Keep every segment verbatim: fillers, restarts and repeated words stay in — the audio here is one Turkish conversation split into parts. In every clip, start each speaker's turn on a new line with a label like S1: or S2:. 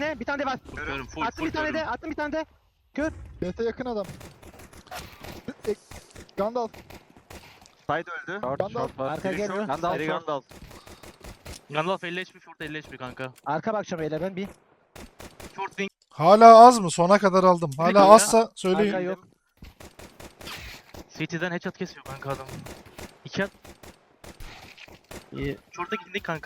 S1: birine. Bir tane de var.
S2: Görüyorum full
S1: Attım
S2: full
S1: bir tane de.
S2: görüyorum.
S1: Attım bir tane de. Kör.
S3: B T yakın adam. E, Gandalf.
S4: Side öldü.
S5: Short,
S3: Gandalf.
S5: short var.
S1: Arka
S4: Biri
S1: geliyor.
S4: short,
S5: Gandalf
S4: Biri
S5: short.
S4: Gandalf.
S2: Gandalf elli H P short elli H P kanka.
S1: Arka bakacağım beyler ben bir.
S2: Short wing.
S6: Hala az mı? Sona kadar aldım. Hala
S2: kanka.
S6: azsa söyleyin.
S1: Arka yok.
S2: City'den headshot kesiyor kanka adam. İki at.
S1: İyi.
S2: Short'a gittik kanka.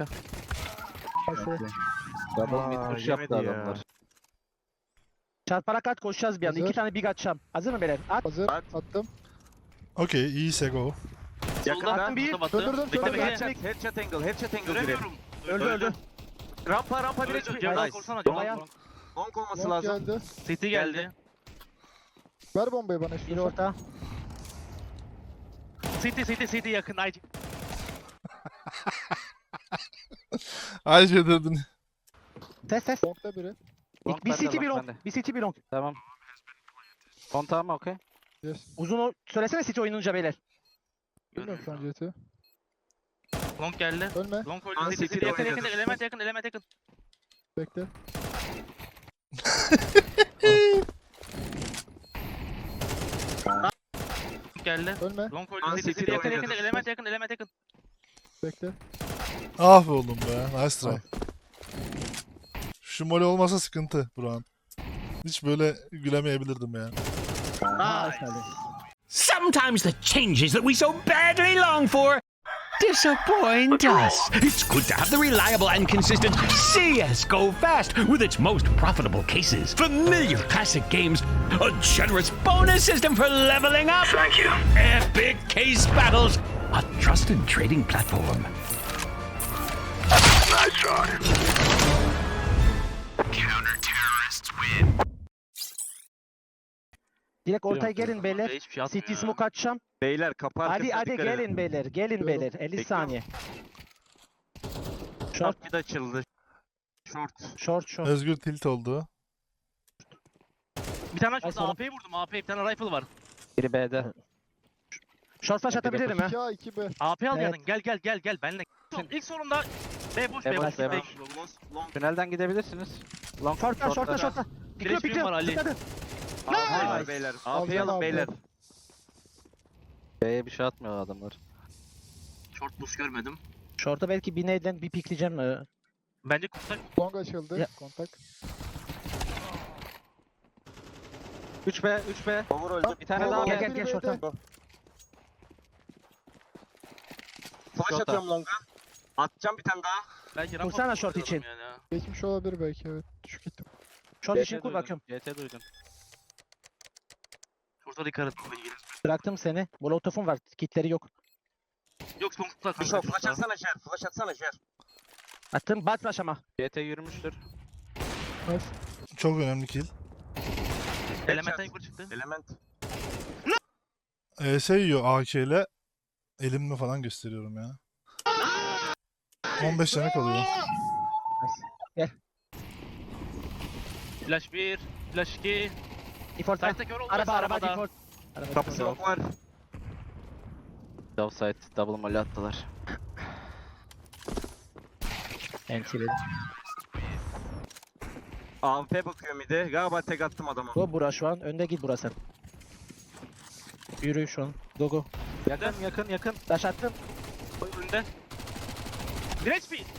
S5: Double mid
S4: Aa,
S5: push yaptı
S4: yemedi ya.
S5: adamlar.
S1: Çarparak at koşacağız bir anda.
S3: Hazır.
S1: İki tane big atacağım. Hazır mı beyler? At.
S3: Hazır.
S4: At.
S3: Attım.
S6: Okey, iyiyse go.
S4: Yakın
S2: Solda
S4: attım
S1: bir.
S2: batı batı.
S3: Döndürdüm,
S2: Bekle
S3: döndürdüm.
S2: bekle.
S4: Headshot, headshot angle, headshot angle biri.
S2: Göremiyorum.
S1: Öldü öldü.
S4: Rampa, rampa bir
S2: Öldü.
S4: H P.
S2: Cevap
S4: Nice.
S2: korsana.
S1: Bayağı.
S2: Cevap.
S4: Long olması
S3: Long
S4: lazım.
S3: geldi.
S2: City geldi.
S3: Ver bombayı bana
S1: Bir
S3: istiyorsan.
S1: orta.
S2: City City City yakın. Ay.
S6: Ayrıca dedin.
S1: Ses ses.
S3: Long'da biri.
S5: Long
S1: Bir
S5: bende,
S1: city bir
S5: long
S1: long.
S5: bende.
S1: Bir city bir long.
S5: Tamam. Kontağım mı okey?
S3: Yes.
S1: Uzun o. Söylesene city oynayınca beyler.
S3: Bilmiyorum şu an C T.
S2: Long geldi.
S3: Ölme.
S2: Long
S4: Lan
S2: öldü. City
S4: City'de
S2: yakın yakın
S4: oynadı.
S2: element yakın element yakın.
S3: Bekle.
S2: Long geldi.
S3: Ölme.
S2: Long
S4: Lan
S2: öldü. City
S4: City'de
S2: yakın
S4: oynadı.
S2: yakın element yakın element yakın.
S3: Bekle.
S6: Ah be oğlum be. Nice try. Şu mole olmasa sıkıntı Burak'ın. Hiç böyle gülemeyebilirdim yani.
S2: Nice.
S7: Sometimes the changes that we so badly long for disappoint us. It's good to have the reliable and consistent C S G O Fast with its most profitable cases, familiar classic games, a generous bonus system for leveling up. Thank you. Epic case battles, a trusted trading platform. Nice try. Counter-terrorists win.
S1: Direkt ortaya gelin beyler.
S2: Hiçbir şey
S1: City
S2: atmıyor.
S1: smoke atacağım.
S4: Beyler kapı
S1: Hadi
S4: arkasına
S1: hadi
S4: dikkat edin.
S1: gelin beyler. Gelin
S3: Bekliyorum.
S1: beyler. elli
S4: Bekliyorum.
S1: saniye. Short
S4: Short bir de açıldı. Short.
S1: short short.
S6: Özgür tilt oldu.
S2: Bir tane
S1: Ay,
S2: şurada
S1: sana-
S2: A P'yi vurdum. A P bir tane rifle var.
S5: Biri B'de.
S1: Short flash atabilirim ha.
S3: iki A iki B.
S2: A P al
S1: Evet.
S2: yanın. Gel gel gel gel benle. İlk sorumda B boş
S5: B
S2: B
S5: boş,
S2: boş.
S5: B
S2: B
S5: boş.
S2: boş.
S4: Long.
S5: Tünelden gidebilirsiniz. Long
S1: Short'ta short'ta short'ta. Pikliyor
S2: Flash'im
S1: pikliyor.
S2: var Ali.
S1: Dikkat et.
S4: A P var
S1: Nice.
S4: beyler. A
S3: Alacağım
S4: P alın
S3: abi.
S4: beyler.
S5: B'ye bir şey atmıyor adamlar.
S2: Short boost görmedim.
S1: Short'a belki bir neyden bir pikleyeceğim. Ee,
S2: Bence kurtak.
S3: Long açıldı.
S1: Ya.
S3: Kontak.
S5: üç B, üç B.
S4: Over öldü.
S5: Bir tane
S3: Gel,
S5: daha
S1: Gel
S5: B.
S1: gel gel short'a.
S4: Flash
S5: Short'a.
S4: atıyorum long'a. Atacağım bir tane daha.
S2: Belki rampa
S1: Vursana
S2: boost
S1: short
S2: atıyorum
S1: için.
S2: yani ha.
S3: Geçmiş olabilir belki evet. Düşük gittim.
S1: Short için
S5: C T
S1: kur
S5: duydum,
S1: bakıyorum.
S5: C T duydum.
S2: Short'a dikkat et.
S1: Bıraktım seni. Molotov'um var. Kitleri yok.
S2: Yok son tutlar
S4: Bir
S2: kanka.
S4: şey flash atsana Jer. Flash atsana Jer.
S1: Attım. Bat flash ama.
S5: C T yürümüştür.
S3: Nice.
S6: Çok önemli kill.
S2: Elementten yukarı çıktı.
S4: Element.
S6: E S yiyor A K ile. Elimle falan gösteriyorum ya. on beş tane kalıyor.
S2: Flash bir, flash iki.
S1: Default.
S2: Site'da kör oldu.
S1: Araba araba
S2: arabada.
S1: default. Araba
S4: Kapı
S1: default.
S4: smoke var.
S5: Offside double molly attılar.
S1: Enti benim.
S4: A P bakıyor midi. Galiba tek attım adama.
S1: Go bura şu an. Önde git burası. Yürü şu an. Go go.
S5: Yakın yakın yakın.
S1: Flash attım.
S2: Önünde. bir H P.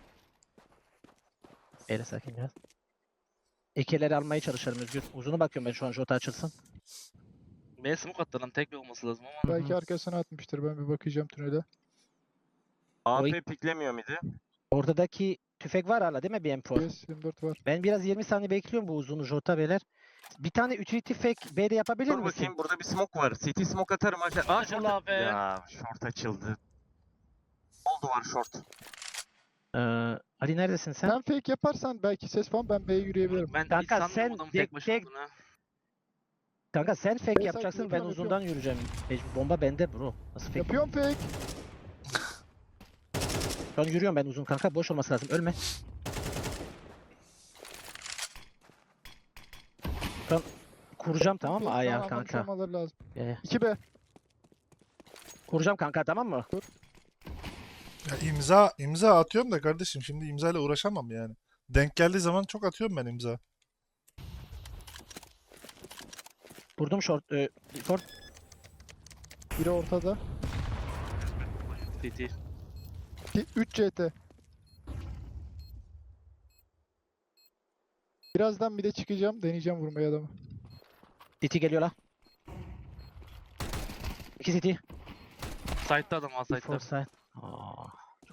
S1: Eyle sakin biraz. İkileri almaya çalışıyorum Özgür. Uzunu bakıyorum ben şu an short açılsın.
S2: B smoke attı lan. Tek bir olması lazım ama.
S3: Belki arkasına atmıştır. Ben bir bakacağım tünele.
S4: A
S1: Oy.
S4: P piklemiyor midi.
S1: Ortadaki tüfek var hala değil mi B M Pro?
S3: Yes yirmi dört var.
S1: Ben biraz yirmi saniye bekliyorum bu uzunu Jota beyler. Bir tane utility fake B'de yapabilir
S4: Dur
S1: misin?
S4: bakayım burada bir smoke var. City smoke atarım aşağı. Aa
S2: Açıl
S4: short.
S2: abi.
S4: Ya short açıldı. Oldu var short.
S1: Ee, Ali neredesin sen?
S3: Sen fake yaparsan belki ses falan ben B'ye yürüyebilirim.
S2: Ben
S1: Kanka,
S2: hiç sanmıyorum
S1: sen
S2: adamın
S1: tek-
S2: tek başına
S1: tek-
S2: olduğunu ha.
S1: Kanka sen fake
S3: Ben
S1: yapacaksın
S3: sanki
S1: ben
S3: yapıyorum,
S1: uzundan yürüyeceğim. Mecbur bomba bende bro. Nasıl fake?
S3: Yapıyorum fake.
S1: Şu an yürüyorum ben uzun kanka boş olması lazım ölme. Şu an kuracağım tamam mı
S3: Fake
S1: ayağı
S3: falan anlamış
S1: kanka.
S3: olmaları lazım.
S1: Ee,
S3: iki B.
S1: kuracağım kanka tamam mı?
S6: Ya imza imza atıyorum da kardeşim şimdi imzayla uğraşamam yani. Denk geldiği zaman çok atıyorum ben imza.
S1: Vurdum short. E, short.
S3: Biri ortada.
S2: T T.
S3: üç C T. Birazdan bir de çıkacağım. Deneyeceğim vurmayı adamı.
S1: C T geliyor la. İki C T.
S2: Side'da adam, A side'da.
S1: Four side. Aa.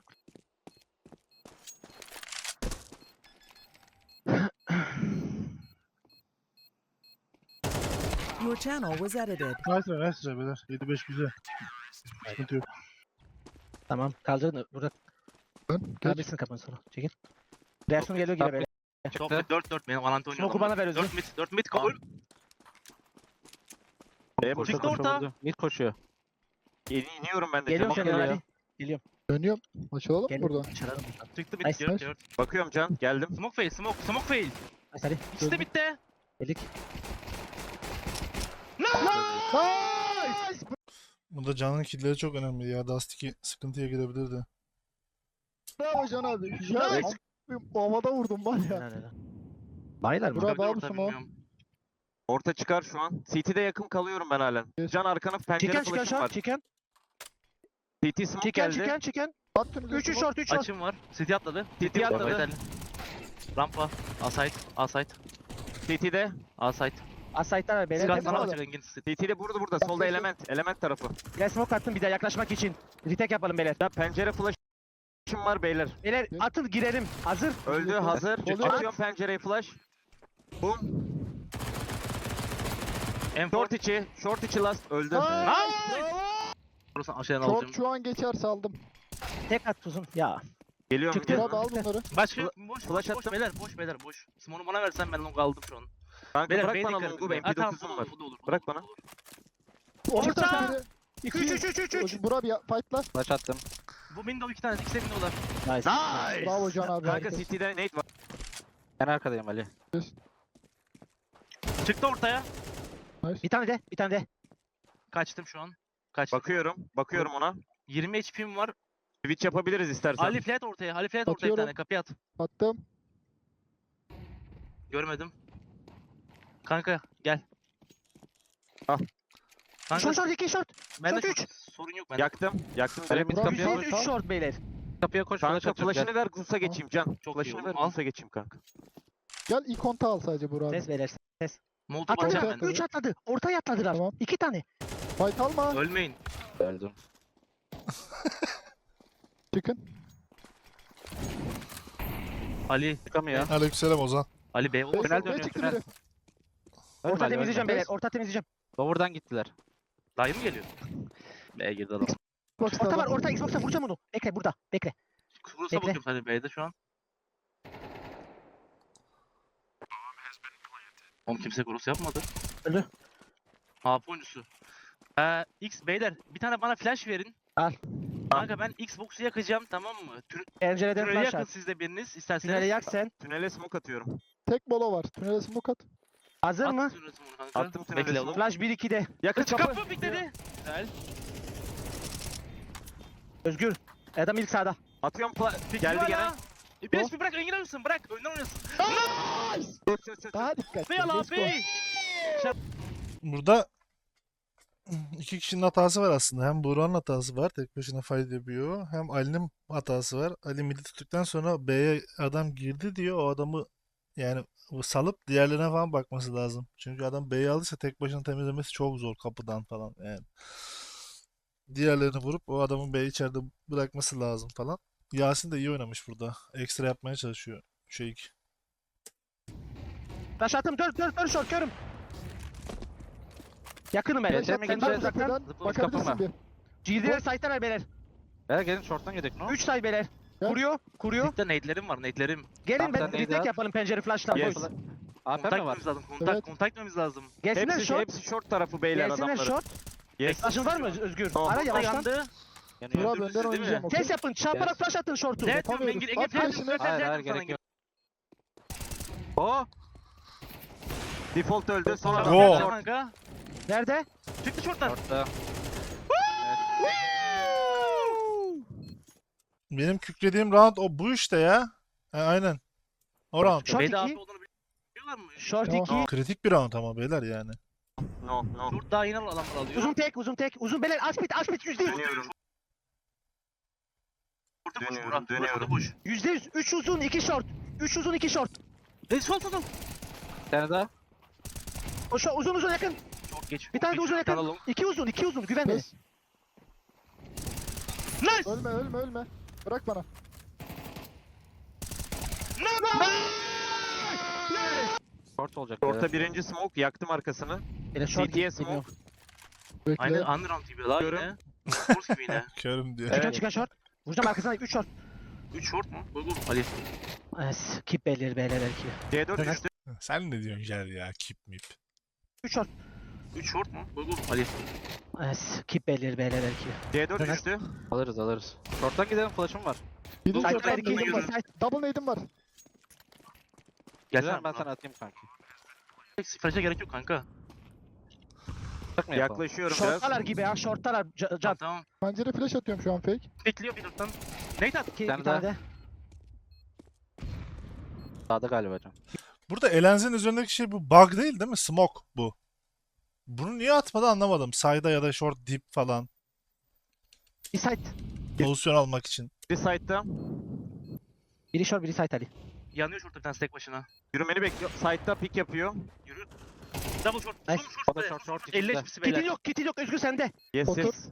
S8: Your channel was edited.
S6: Nice try, nice try beyler. yedi beş güzel. Sıkıntı yok.
S1: Tamam kaldırın. Burada
S3: Dön. Geç.
S1: kaldırsın kapını sonra. Çekil. Reaksiyon geliyor gibi böyle.
S2: Çok mid, dört dört. Benim Valante oynuyor.
S1: Smoke'u bana ver Özgür.
S2: dört mid, dört mid kabul.
S5: B'ye boşa
S2: Çıktı
S5: koşa
S2: orta.
S5: vurdu. Mid koşuyor.
S4: Yeni iniyorum ben de.
S1: Geliyorum
S4: Can
S1: şöyle
S4: bakıyorum.
S1: hadi.
S3: Dönüyorum. Açılalım
S1: Gel.
S3: burada.
S1: Çaralım.
S2: Çıktı mid,
S1: Nice,
S2: dört
S3: nice.
S2: dört.
S4: Bakıyorum Can. Geldim.
S2: Smoke fail, smoke, smoke fail.
S1: Nice hadi.
S2: İkisi de midde.
S1: Delik.
S3: Nice!
S6: Burada Can'ın killleri çok önemli ya. Dusty sıkıntıya girebilirdi.
S3: Bravo Can abi. Ya a**ayım, havada vurdum var ya.
S1: Helal helal. Baylar mı?
S3: Burak-
S2: Gördü
S3: abi
S2: orta,
S3: smoke.
S2: bilmiyorum.
S4: Orta çıkar şu an. C T'de yakın kalıyorum ben halen.
S3: Yes.
S4: Can arkana pencere
S1: Chicken chicken
S4: flash'ım var.
S1: short chicken.
S4: C T smoke
S1: Chicken
S4: geldi.
S1: chicken chicken.
S3: Attım
S1: üç üç short üç short.
S2: Açım var. City atladı.
S4: City
S2: City atladı.
S4: atladı.
S2: Yeterli. Rampa. A side. A side.
S4: C T'de.
S2: A side.
S1: Asaytlar var beyler.
S2: Silah
S3: Benim
S2: sana
S3: adam.
S2: bakacak Engin City.
S4: C T'de burada burada. Solda element. Element tarafı.
S1: Gel smoke attım bir daha yaklaşmak için. Retake yapalım beyler.
S4: Ya pencere flash'ım var beyler.
S1: Beyler atın girelim. Hazır.
S4: Öldü hazır.
S3: Oluyor.
S4: Atıyorum pencereye flash. Boom.
S2: M
S4: Short
S2: dört.
S4: içi. Short içi last. Öldü.
S2: Burası aşağıdan
S3: Short
S2: alacağım.
S3: şu an geçerse aldım.
S1: Tek at uzun. Ya.
S4: Geliyorum.
S1: Çıktı.
S4: geliyorum.
S3: Burak al bunları.
S2: Başka
S4: Fla-
S2: boş
S4: flash
S2: boş boş
S4: attım.
S2: beyler boş beyler boş. Smoke'u bana versen ben long aldım şu an.
S4: Kanka
S2: Beyler
S4: bırak
S2: beyler
S4: bana
S2: dikkat
S4: longu.
S2: edin.
S4: M
S2: Ha,
S4: P
S2: tamam,
S4: dokuzum
S2: bu da
S4: var.
S2: olur, bu da olur, bu
S4: Bırak
S2: da olur,
S4: bana.
S2: bu da olur.
S3: Orta biri.
S1: üç üç üç üç üç.
S3: Burak bir fightla.
S5: Flash attım.
S2: Bu window iki tane, ikisi de window'lar.
S1: Nice.
S3: Bravo Can abi.
S4: Kanka
S3: harikasın.
S4: City'de nade var.
S5: Ben arkadayım Ali.
S2: Çıktı ortaya.
S1: Bir tane de. Bir tane de.
S2: Kaçtım şu an. Kaçtım.
S4: Bakıyorum. Bakıyorum ona.
S2: yirmi H P'm var.
S4: Switch yapabiliriz istersen.
S2: Ali flat ortaya. Ali flat ortaya bir
S3: Atıyorum.
S2: tane. Kapıya at.
S3: Attım.
S2: Görmedim. Kanka gel.
S4: Al.
S2: Kanka
S1: Short short iki short.
S2: bende
S1: short
S2: çok sorun yok bende.
S4: Yaktım. Yaktım
S5: Ali
S4: direkt.
S5: mid
S3: Burak
S5: kapıya
S3: güzel.
S5: koş.
S1: üç üç short beyler.
S5: Kapıya koş. Flash
S4: Kanka
S5: atacağım. Gel.
S4: flash'ını ver Gus'a geçeyim Can.
S2: Çok iyi
S4: Flash'ını
S2: oğlum,
S4: ver
S2: al.
S4: Gus'a geçeyim kanka.
S3: Gel ilk konta al sadece Burak abi.
S1: Ses beyler.
S2: Molotov
S3: Atladı.
S2: atacağım
S3: Atladı.
S2: ben.
S1: üç atladı. Ortaya atladılar.
S3: Tamam.
S1: iki tane.
S3: Fight alma.
S2: Ölmeyin.
S5: Öldüm.
S3: Çıkın.
S2: Ali.
S5: Çıkamıyor.
S6: Aleykümselam Ozan.
S2: Ali B. O
S3: Beş
S5: Tünel
S3: olmaya
S5: dönüyor,
S3: çıktı
S5: tünel.
S3: biri.
S5: Ölme
S1: Orta
S5: Ali,
S1: temizleyeceğim
S5: ölme.
S1: beyler. Orta temizleyeceğim.
S5: Lower'dan gittiler.
S2: Dayı mı geliyor? B girdi adam.
S3: Xbox'ta
S1: Orta var.
S3: adam.
S1: Orta Xbox'a vuracağım onu. Bekle burada. Bekle.
S2: Kurusa
S1: Bekle.
S2: bakıyorum hadi B'de şu an. Oğlum kimse kurus yapmadı.
S1: Öldü.
S2: A P oyuncusu. Ee, X beyler bir tane bana flash verin.
S1: Al.
S2: Kanka ben Xbox'u yakacağım, tamam mı? Tün
S1: Pencereden
S2: tüneli
S1: flash
S2: yakın
S1: at.
S2: siz de biriniz isterseniz.
S1: Tüneli yak sen.
S4: Tünele smoke atıyorum.
S3: Tek bolo var. Tünele smoke at.
S1: Hazır
S2: At
S1: mı?
S2: tüneli bunu kanka.
S4: Attım tünele
S2: Bekle
S4: smoke.
S2: oğlum.
S1: Flash bir ikide.
S4: Yakın
S2: Kaç
S4: kapı.
S2: kapı pikledi. Güzel.
S1: Özgür. Adam ilk sağda.
S4: Atıyorum fla- Geldi
S2: Hala.
S4: gene.
S2: E, Bir bir bırak, Engin alırsın, bırak. Önden oynasın.
S4: Çöz, çöz, çöz.
S3: Daha dikkat.
S2: Fail
S3: Let's go.
S2: abi.
S6: Burada iki kişinin hatası var aslında. Hem Burak'ın hatası var. Tek başına fight yapıyor. Hem Ali'nin hatası var. Ali midi tuttuktan sonra B'ye adam girdi diyor. O adamı yani salıp diğerlerine falan bakması lazım. Çünkü adam B'yi alırsa tek başına temizlemesi çok zor kapıdan falan yani. Diğerlerini vurup o adamın B'yi içeride bırakması lazım falan. Yasin de iyi oynamış burada. Ekstra yapmaya çalışıyor. Şey
S1: Flash attım. Dön dön dön short körüm. Yakınım ben.
S5: Geçer
S1: Sen
S5: mi,
S1: sen
S5: geçer?
S1: uzaktan.
S3: Tepeden
S5: Zıplamış
S3: bakabilirsin
S5: kapama.
S3: bir.
S1: Girdiler site'lar beyler.
S5: Beyler gelin short'tan yedik no?
S1: üç site beyler.
S3: Gel.
S1: Kuruyor. Kuruyor.
S2: Pikte nade'lerim var, nade'lerim.
S1: Gelin
S5: Tamam,
S1: ben
S5: sen neydi
S1: retake
S5: at?
S1: yapalım pencere flash'la.
S4: Yes.
S1: Boys.
S5: A P
S2: Kontak
S5: mi var?
S2: etmemiz lazım, kontak,
S3: Evet.
S2: kontak etmemiz lazım.
S1: Gelsinler
S4: Hepsi,
S1: short.
S4: hepsi short tarafı beyler
S1: Gelsinler
S4: adamları.
S1: short.
S4: Yes.
S1: Flash'ın var mı Özgür?
S4: Tamam.
S1: Ara
S2: Kontak
S1: yavaştan.
S2: yandı.
S5: Yanıyor.
S3: Burak
S2: Öldürdü
S3: önden
S2: sizi, değil
S3: oynayacağım.
S2: mi?
S3: okey?
S1: Test yapın. Çarparak flash atın short'u.
S2: Ne diyorum
S3: Yapamıyoruz.
S2: Engin? Engin
S3: At
S2: flash
S3: flash'ını.
S2: flash
S5: Hayır hayır
S2: yaptım sana
S5: gerek
S2: Engin.
S5: yok.
S4: O. Default öldü. Son
S3: Go.
S4: adam.
S6: Go.
S4: Short.
S2: Kanka.
S1: Nerede?
S2: Çıktı short'tan.
S5: Short'ta.
S6: Benim kükrediğim round o bu işte ya. Ha, aynen. O round.
S1: Short
S2: B'de A P
S1: iki.
S2: olduğunu biliyorlar mı?
S1: Short
S3: Tamam.
S1: iki.
S6: Kritik bir round ama beyler yani.
S4: No no.
S2: Short daha yine adamlar alıyor.
S1: Uzun tek, uzun tek. Uzun beyler. Aspit, aspit yüzde yüz.
S4: Dönüyorum.
S2: Short'u boş
S4: Dönüyorum,
S2: Burak.
S4: dönüyorum.
S2: Short'u boş.
S1: Yüzde yüz. Üç uzun, iki short. Üç uzun, iki short.
S2: E sol sol sol.
S5: Bir tane daha.
S1: O şu uzun uzun yakın.
S2: Short geç.
S1: Bir tane de uzun
S2: Bir tane
S1: yakın.
S2: long.
S1: İki uzun, iki uzun. Güven beni.
S3: Yes.
S2: Nice.
S3: Ölme ölme ölme. Bırak bana.
S5: Short olacak. beyler.
S4: Orta birinci smoke yaktım arkasını.
S1: Beyler short
S4: C T'ye
S1: geliyor.
S4: smoke.
S3: Bekle.
S2: Aynı underround gibi la
S4: Görüyorum.
S2: yine. Force gibi yine.
S6: Körüm diyor.
S1: Çıkan
S4: Evet.
S1: çıkan short. Vuracağım arkasına üç short.
S2: üç short mu? Koy koy. Ali.
S1: Es, keep beyler beyler belki.
S4: C dört
S1: Evet.
S4: düştü.
S6: Sen ne diyorsun Jer ya? Kip mip.
S1: üç short.
S2: üç short mu? Koy koy. Ali.
S1: Es, keep beyler beyler belki.
S4: C dört
S1: Evet.
S4: düştü.
S5: Alırız alırız. Short'tan gidelim, flash'ım var.
S3: Bir de
S2: Side
S3: short
S1: Side,
S2: Double
S1: iki,
S3: nade'im var.
S1: side.
S3: Double nade'im var.
S2: Gelsene
S5: Güzel, ben
S2: Burak.
S5: sana atayım kanki.
S2: Flash'a gerek yok kanka.
S5: Bak mı yapalım?
S4: Yaklaşıyorum biraz.
S1: Shorttalar gibi ya, shorttalar. Ca-
S2: Tamam
S1: Can.
S2: tamam.
S3: Pencere flash atıyorum şu an fake.
S2: Bekliyor bir dörtten. Nate at.
S1: İki,
S5: tane
S1: bir tane
S5: daha.
S1: de.
S5: Sağda galiba can.
S6: Burada Elenz'in üzerindeki şey bu bug değil değil mi? Smoke bu. Bunu niye atmadı anlamadım. Side'a ya da short deep falan.
S1: Bir side.
S6: Pozisyon almak için.
S4: Bir side'da.
S1: Biri short, biri side Ali.
S2: Yanıyor short'ta bir tane tek başına.
S4: Yürümeni bekliyor. Side'da pick yapıyor.
S2: Yürü. Double short.
S1: Nice.
S2: Uzun
S5: O
S2: short.
S5: da
S2: be.
S5: short, short
S2: elli
S5: içinde.
S2: H P'si beyler.
S1: Kitin yok, kitin yok. Özgür sende.
S4: Yes
S3: Otur.
S4: yes.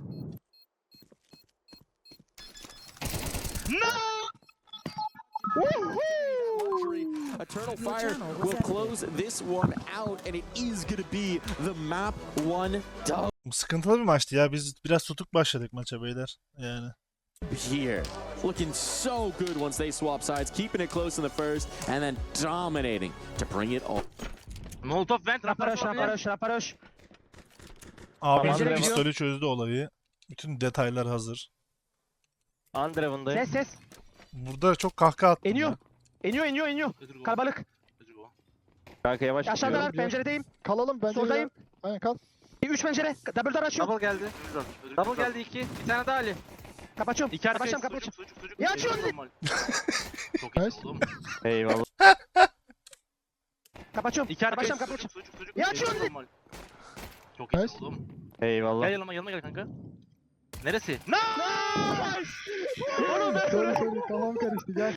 S9: Eternal
S8: Your
S9: Fire
S8: channel was
S9: will
S8: edited.
S9: close this one out, and it is going to be the map one dub
S6: Bu sıkıntılı bir maçtı ya. Biz biraz tutuk başladık maça beyler. Yani.
S9: here. Looking so good once they swap sides, keeping it close in the first, and then dominating to bring it all.
S2: Molotov vent.
S1: Raparoş,
S2: Raparoş.
S1: raparoş, raparoş.
S6: Abi
S1: Pencere
S6: de
S1: gidiyor.
S6: pistolü çözdü olayı. Bütün detaylar hazır.
S4: Underhaven'dayım.
S1: Ses ses.
S6: Burada çok kahkaha attım
S1: Eniyor.
S6: ya.
S1: Eniyor, eniyor, eniyor.
S2: Ödül
S1: Kalabalık.
S2: Ödül go.
S4: Kanka yavaş gidiyorum.
S1: Aşağıdalar,
S3: gidiyor.
S1: penceredeyim.
S3: Kalalım bence.
S1: Soldayım.
S3: Aynen kal.
S1: Üç pencere. Double door açıyorum.
S5: Double geldi.
S2: Ödül al, ödül
S5: Double
S2: al.
S5: geldi iki. Bir tane daha Ali.
S1: Kapatıyorum.
S2: İki arkaya
S1: Kapatıyorum,
S2: sucuk
S1: kapatıyorum.
S2: sucuk sucuk.
S1: Ya açıyor
S2: Eyvallah,
S1: bizi.
S2: normal. Çok iyi
S3: Nice.
S2: oğlum.
S4: Eyvallah.
S1: Kapatıyorum.
S2: İki arkaya
S1: Kapatıyorum,
S2: sucuk
S1: kapatıyorum.
S2: sucuk sucuk.
S1: Ya açıyor
S2: Eyvallah,
S1: bizi.
S2: normal. Çok iyi
S3: Nice.
S2: oğlum.
S4: Eyvallah.
S2: Gel yanıma yanıma gel kanka. Neresi?
S1: Oğlum ben
S3: Söyle söyle kafam karıştı gel.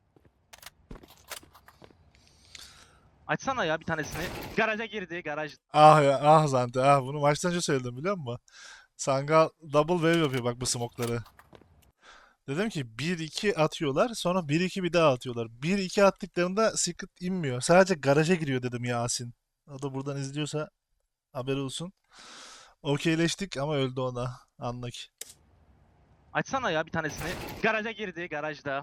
S2: Açsana ya bir tanesini. Garaja girdi garaj.
S6: Ah ya ah Zante ah bunu maçtan önce söyledim biliyor musun? Sangal double wave yapıyor bak bu smoke'ları. Dedim ki bir iki atıyorlar sonra bir iki bir daha atıyorlar. bir iki attıklarında secret inmiyor. Sadece garaja giriyor dedim Yasin. O da buradan izliyorsa haberi olsun. Okeyleştik ama öldü ona. Anlık.
S2: Açsana ya bir tanesini. Garaja girdi garajda.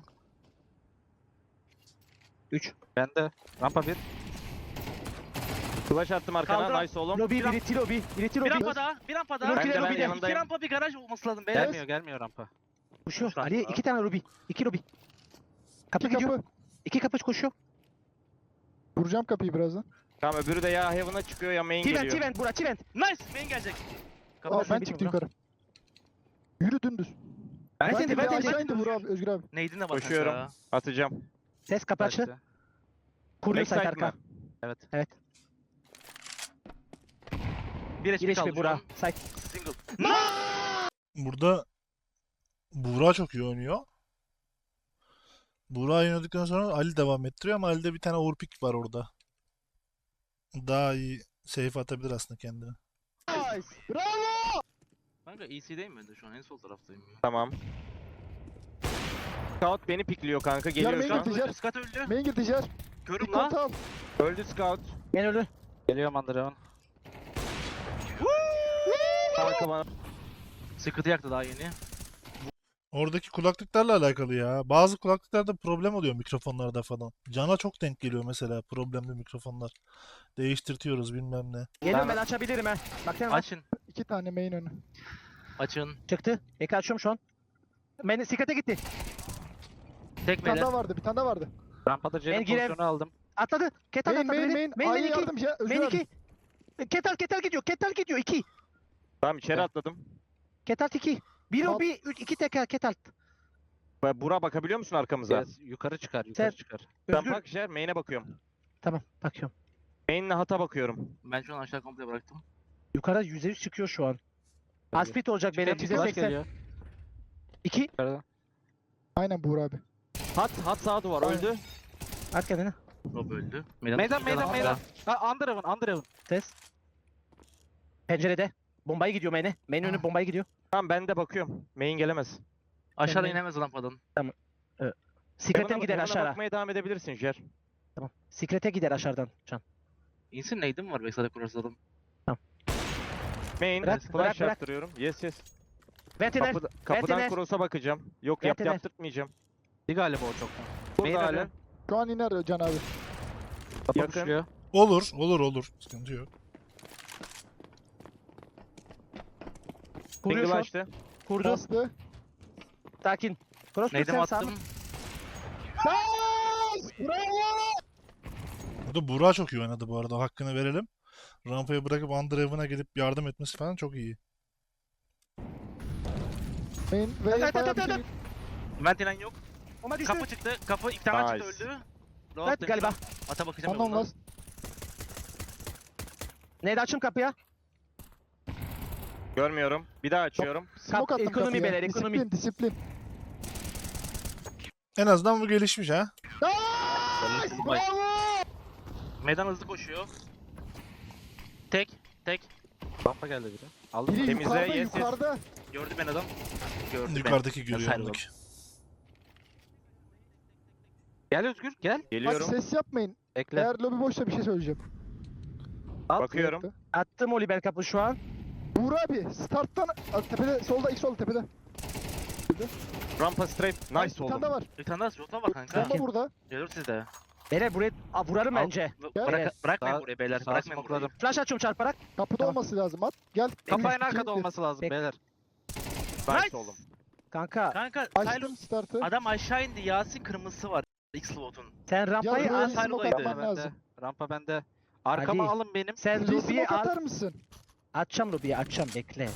S1: üç.
S5: Bende. Rampa bir.
S4: Flash attım arkana.
S2: Kaldır.
S4: Nice oğlum.
S1: Lobi,
S2: Bir
S1: biri T lobby. Biri T
S2: Bir
S1: lobby.
S2: rampa daha. Bir rampa daha.
S1: Dur,
S4: Ben de
S1: Lobi'de,
S4: ben
S1: Lobi'de.
S4: yanındayım.
S2: İki rampa bir garaj olması lazım beyler.
S5: Gelmiyor gelmiyor rampa.
S1: Koşuyor.
S2: Şu an
S1: Ali
S2: daha.
S1: iki tane lobby. İki lobby. Kapı
S3: İki
S1: gidiyor.
S3: kapı.
S1: İki kapı koşuyor.
S3: Vuracağım kapıyı birazdan.
S4: Tamam öbürü de ya Heaven'a çıkıyor ya main
S1: T-vent,
S4: geliyor.
S1: T-vent, bura T-vent.
S2: Nice. Main gelecek.
S3: Aa, ben
S1: bir
S3: çıktım
S1: bura.
S3: yukarı. Yürü dümdüz.
S1: Ben
S3: Ben
S1: seni,
S3: de
S1: ben
S3: bir
S1: seni.
S3: aşağı indi Vur abi Özgür abi.
S2: Neydin de bak
S4: Koşuyorum.
S2: kanka.
S4: Atacağım.
S1: Ses kapı açtı.
S5: Kaçtı.
S1: Kuruyor site
S4: Backside
S1: arka.
S4: mı?
S5: Evet.
S1: Evet.
S2: Bir H P
S1: Giriş
S2: kaldı
S1: bir
S2: şu
S1: bura.
S2: an.
S1: Site.
S2: Single.
S6: Burada Buğra çok iyi oynuyor. Buğra oynadıktan sonra Ali devam ettiriyor ama Ali'de bir tane overpick var orada. Daha iyi safe atabilir aslında kendini.
S3: Nice. Bravo.
S2: Kanka E C'deyim ben de şu an en sol taraftayım. ya.
S4: Tamam. Scout beni pikliyor kanka. Geliyor
S3: main
S4: şu an.
S3: girdi. Tijer.
S2: Skat öldü.
S3: Main gir Tijer.
S2: Körüm
S3: İlk
S2: la.
S3: kontı al.
S4: Öldü Scout.
S1: Ben öldü.
S5: Geliyorum Underhaven.
S4: Kanka bana.
S2: Sıkıntı yaktı daha yeni.
S6: Oradaki kulaklıklarla alakalı ya. Bazı kulaklıklarda problem oluyor mikrofonlarda falan. Cana çok denk geliyor mesela problemli mikrofonlar. Değiştirtiyoruz bilmem ne.
S1: Geliyorum
S5: Ben-
S1: ben açabilirim ha. Bak sen
S2: Açın.
S3: İki tane main önü.
S2: Açın.
S1: çıktı. Ekran açıyorum şu an. Ben sikate gitti.
S2: Tek
S3: Bir tane
S2: beyler.
S3: daha vardı. Bir tane daha vardı.
S5: Rampada C'nin
S1: Ben gireyim.
S5: pozisyonu aldım.
S1: Atladı. Ketal
S3: Main
S1: atladı.
S3: main
S1: beni.
S3: main.
S1: Main main
S3: A'ya
S1: iki.
S3: yardım şey. Özgür
S1: Main
S3: abi.
S1: iki. Ketal ketal gidiyor. Ketal gidiyor. iki.
S4: Tamam içeri atladım.
S1: Ketal iki. Bir
S3: Al.
S1: lobby, üç, iki teker ketal.
S4: Ba- Bura bakabiliyor musun arkamıza?
S5: Yes, yukarı çıkar, yukarı
S1: Sen-
S5: çıkar.
S4: Ben
S1: Özgür.
S4: bak Jer, main'e bakıyorum.
S1: Tamam bakıyorum.
S4: Main'le hata bakıyorum.
S2: Ben şu an aşağı komple bıraktım.
S1: Yukarı yüzde yüz çıkıyor şu an.
S5: Tabii.
S1: Aspit olacak beyler.
S5: Çıkar,
S1: Bize
S5: flash
S1: seksen.
S5: geliyor.
S1: iki.
S5: Yukarıdan.
S3: Aynen Buğra abi.
S4: Hat, hat sağ duvar öldü.
S1: At kendini.
S2: Rob öldü.
S5: Meydan, meydan,
S2: Hala-
S5: meydan. Ha, Underhaven, Underhaven.
S1: Ses. Pencerede. Bombayı gidiyor main'e. Main önü bombayı gidiyor.
S4: Tamam ben de bakıyorum. Main gelemez.
S2: Aşağıda
S1: Kendine-
S2: inemez rampadan.
S1: Secret'e
S4: Heaven'a-
S1: gider
S4: Heaven'a
S1: aşağı.
S4: bakmaya devam edebilirsin Jer.
S1: Tamam. Secret'e gider aşağıdan. Can.
S2: İnsin neydi mi var Backside'e kurarsa adam?
S4: Main,
S1: Bırak,
S4: flash
S1: bırak, bırak.
S4: yaptırıyorum. Yes yes.
S1: Ventiner.
S4: Kapıda, kapıdan
S1: Ventiner.
S4: cross'a bakacağım. Yok yap,
S1: Ventiner.
S4: yaptırtmayacağım.
S5: Bir galiba o çoktan.
S4: Burada
S5: Meydan
S4: hala.
S5: önü.
S3: Şu an iner Can abi.
S5: Kapı
S4: Yakın.
S5: pushluyor.
S6: Olur, olur, olur. Sıkıntı yok.
S1: Kuruyor
S4: Single
S1: şu an.
S4: açtı.
S1: Kurdu.
S3: Bastı.
S1: Sakin. Cross
S2: Neydim
S1: sen sağ.
S2: attım.
S6: Burada Buğra çok iyi oynadı bu arada. Hakkını verelim. Rampaya bırakıp Underhaven'a gelip yardım etmesi falan çok iyi.
S3: Main ve
S1: Evet,
S3: bayağı
S1: evet,
S3: bir
S1: evet,
S3: şey.
S2: Ventinen yok.
S1: Ama düştü.
S2: Kapı çıktı. Kapı ilk tane
S4: Nice.
S2: çıktı öldü. Rob
S1: Evet
S2: demiş.
S1: galiba.
S2: Ata bakacağım
S3: Ondan
S2: yoldan.
S3: last.
S1: Neydi açım kapıya?
S4: Görmüyorum. Bir daha açıyorum.
S3: Smoke attım
S1: ekonomi
S3: kapıya.
S1: beyler, ekonomi.
S3: Disiplin, disiplin.
S6: En azından bu gelişmiş ha.
S3: Bravo!
S2: Meydan hızlı koşuyor. Tek. Tek.
S5: Rampa geldi biri. Aldım.
S3: Biri
S4: Temizle,
S3: yukarıda,
S4: yes, yes.
S3: yukarıda.
S2: Gördü ben adam. Gördü ben.
S6: Yukarıdaki görüyor
S2: Nasıl
S6: ondaki.
S5: Gel Özgür, gel.
S3: Bak
S4: Geliyorum.
S3: ses yapmayın.
S5: Bekle.
S3: Eğer lobi boşsa bir şey söyleyeceğim.
S5: At.
S4: Bakıyorum.
S1: Attım Oliver kapı şu an.
S3: Buğra abi starttan Aa, tepede solda ilk solda tepede.
S4: Rampa straight.
S3: Bir
S4: Nice
S3: tane
S4: oğlum.
S3: daha var.
S2: Bir tane daha slota var kanka.
S3: Bomba burada.
S2: Gelir sizde.
S1: Beyler buraya Aa, vurarım
S2: Al.
S1: bence.
S3: Gel.
S2: Bırak, bırakmayın
S5: Sağ-
S2: burayı beyler.
S5: Sağ
S2: Bırakmayın burayı.
S5: smokladım.
S1: Flash açıyorum çarparak.
S3: Kapıda
S1: Tamam.
S3: olması lazım at. Gel.
S5: Kapı en
S3: İki,
S5: arkada
S3: bir.
S5: olması lazım
S1: Bek-
S5: beyler.
S4: Nice oğlum.
S1: Kanka
S2: Kanka
S3: Açtım
S2: Tylus
S3: startı.
S2: adam aşağı indi. Yasin kırmızısı var. X-Slot'un.
S1: sen
S3: Ya
S1: rampayı
S3: buraya
S1: al.
S2: Tyler
S3: smoke
S2: oydu.
S3: atman
S5: Rampa bende.
S3: lazım.
S5: Rampa bende. Arkama
S1: Ali.
S5: alın benim.
S1: Sen
S3: Bir
S1: lobiyi
S3: smoke
S1: al.
S3: atar mısın?
S1: Açacağım lobiyi açacağım bekle.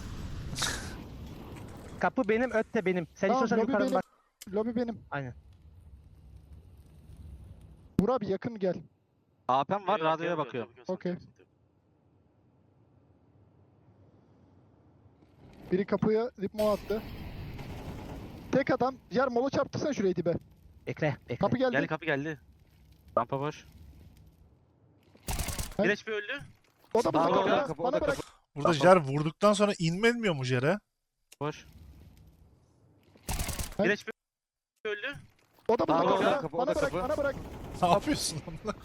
S1: Kapı benim öt de benim. Sen
S3: Tamam,
S1: istiyorsan
S3: lobi
S1: yukarı
S3: benim.
S1: bak.
S3: Lobi benim.
S1: Aynen.
S3: Buğra abi yakın gel.
S5: A P'm var,
S2: Yok, yok,
S5: radyoya
S2: yok, yok,
S5: bakıyorum.
S2: yok, yok,
S3: Okey.
S2: yok, yok.
S3: Biri kapıya dipmo attı. Tek adam. Yer mola çarptırsana şurayı dibe.
S1: Bekle bekle.
S3: Kapı geldi.
S2: Geldi kapı geldi.
S5: Rampa boş.
S3: Ben-
S2: Bir H P öldü.
S3: O da burada.
S5: Tamam,
S3: bana,
S4: o da kapı, o
S3: bana
S4: da
S3: bırak.
S6: Burada Jer vurduktan sonra inmelmiyor mu Jer'e?
S5: Boş.
S3: Ben-
S2: Bir H P öldü.
S3: O da burada.
S4: Tamam, o da
S3: bana,
S4: kapı, o
S3: bana
S4: da
S3: bırak.
S4: kapı.
S3: Bana bırak.
S6: Ne yapıyorsun?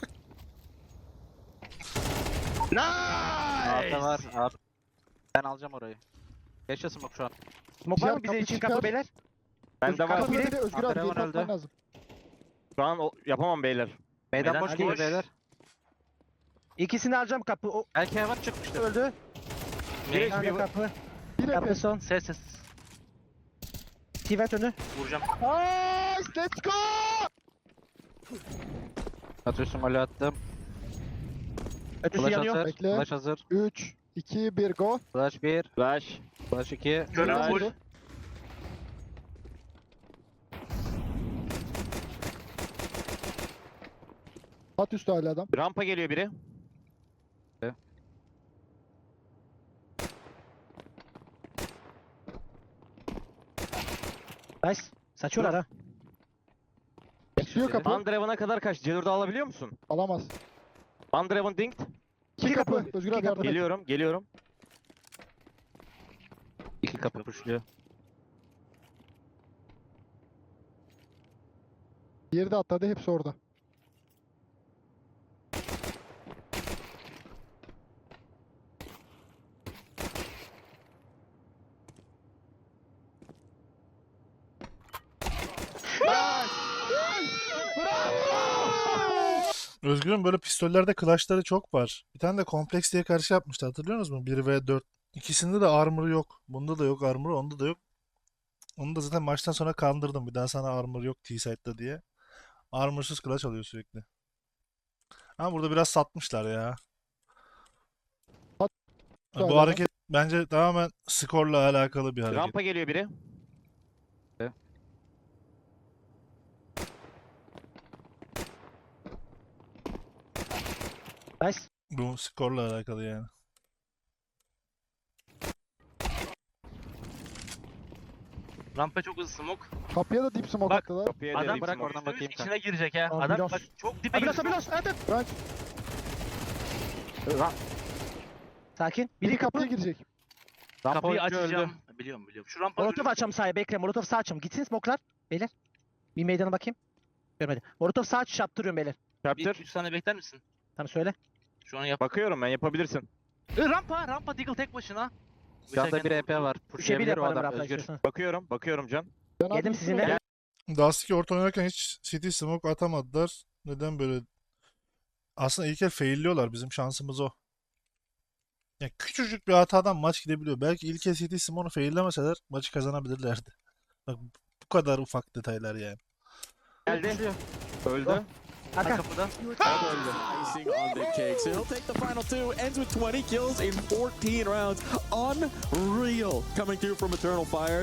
S5: A P var. A P. Ben alacağım orayı. Geçe smoke şu an.
S1: Smoke var
S3: Yer
S1: mı bize
S3: kapı
S1: için
S3: çıkar.
S1: kapı beyler?
S4: Bende var.
S3: Kapı
S1: biri.
S3: biri. Özgür abi.
S5: Antrenman
S3: Geri atman
S5: öldü.
S3: lazım.
S4: Şu an o- yapamam beyler.
S5: Meydan
S2: Meydan
S5: boş
S2: Ali
S5: gibi
S2: boş.
S5: beyler.
S1: İkisini alacağım kapı. O
S5: Belki heaven çıkmıştır.
S1: öldü.
S4: Bir
S1: Bir tane
S4: H P
S1: kapı.
S3: Bir
S1: Kapı
S3: nefes.
S1: son.
S2: Ses ses.
S1: Tivet önü.
S2: Vuracağım.
S3: Nice. Let's go.
S5: Atıyorsun golü attım.
S1: Ötüsü
S5: Flash
S1: yanıyor.
S5: hazır.
S3: Bekle.
S5: Flash hazır.
S3: üç, iki, bir go.
S5: Flash bir.
S4: Flash.
S5: Flash iki.
S2: Körüm
S3: Flash.
S2: full.
S3: At üstü hala adam.
S4: Rampa geliyor biri.
S1: Nice. Saçıyorlar ha.
S3: Bekliyor kapı.
S4: Underhaven'a kadar kaç? C dördü alabiliyor musun?
S3: Alamaz.
S4: Underhaven dinked.
S3: İki kapı.
S1: kapı,
S3: Özgür
S1: iki
S3: abi yardım et.
S4: Geliyorum, geliyorum.
S5: İki kapı pushluyor.
S3: Diğeri de atladı. Hepsi orada.
S6: Özgür'ün böyle pistollerde clutchları çok var. Bir tane de kompleks diye karşı yapmıştı, hatırlıyor musunuz? bir ve dört. İkisinde de armor yok. Bunda da yok armor, onda da yok. Onu da zaten maçtan sonra kandırdım. Bir daha sana armor yok T-Site'da diye. Armorsuz clutch alıyor sürekli. Ama burada biraz satmışlar ya.
S3: Söyle
S6: Bu
S3: lan.
S6: hareket bence tamamen skorla alakalı bir hareket.
S4: Rampa geliyor biri.
S1: Nice.
S6: Bu skorla alakalı yani.
S2: Rampa çok hızlı smoke.
S3: Kapıya da deep smoke
S2: Bak,
S3: attılar.
S4: Kapıya
S2: Adam
S4: dedim
S5: bırak
S4: smoke.
S5: oradan bakayım
S2: içine girecek ha.
S1: Aa,
S2: Adam
S1: Bilos.
S2: bak çok dibe
S1: Abilos
S2: giriyor.
S1: Abilos. Evet evet.
S3: Crunch.
S1: Sakin.
S3: Biri
S1: Biri
S3: kapıya
S1: kapı.
S3: girecek.
S5: Rampa
S2: Kapıyı
S5: oyuncu öldü.
S2: açacağım. Biliyorum biliyorum. Şu rampa
S1: Molotov açacağım sağa. Bekle. Molotov sağ açacağım. Gitsin smoke'lar. Beyler. Bir meydana bakayım. Görmedi. Molotov sağ açış yaptırıyorum beyler.
S4: Capture.
S2: üç saniye bekler misin?
S1: Tamam söyle.
S2: Şu an yap.
S4: Bakıyorum ben yapabilirsin.
S2: E, rampa rampa Deagle tek başına.
S5: Canda bir E P var.
S1: Üçe bir
S5: Pushlayabilir o
S1: yaparım
S5: adam
S1: Rafa
S5: Özgür.
S1: istiyorsan.
S4: Bakıyorum. Bakıyorum Can.
S3: Ben
S1: Yedim
S3: abi
S1: sizinle.
S3: smoke-
S6: Dust iki orta oynarken hiç City smoke atamadılar. Neden böyle? Aslında ilk el failliyorlar. Bizim şansımız o. Ya küçücük bir hatadan maç gidebiliyor. Belki ilk el City smoke'u faillemeseler maçı kazanabilirlerdi. Bak bu kadar ufak detaylar yani.
S4: Geldi. Öldü.
S1: Arka.
S2: Kapıda.
S8: Your
S9: Icing on the cake. So he'll take the final two. Ends with twenty kills in fourteen rounds. Unreal. Coming through from Eternal Fire.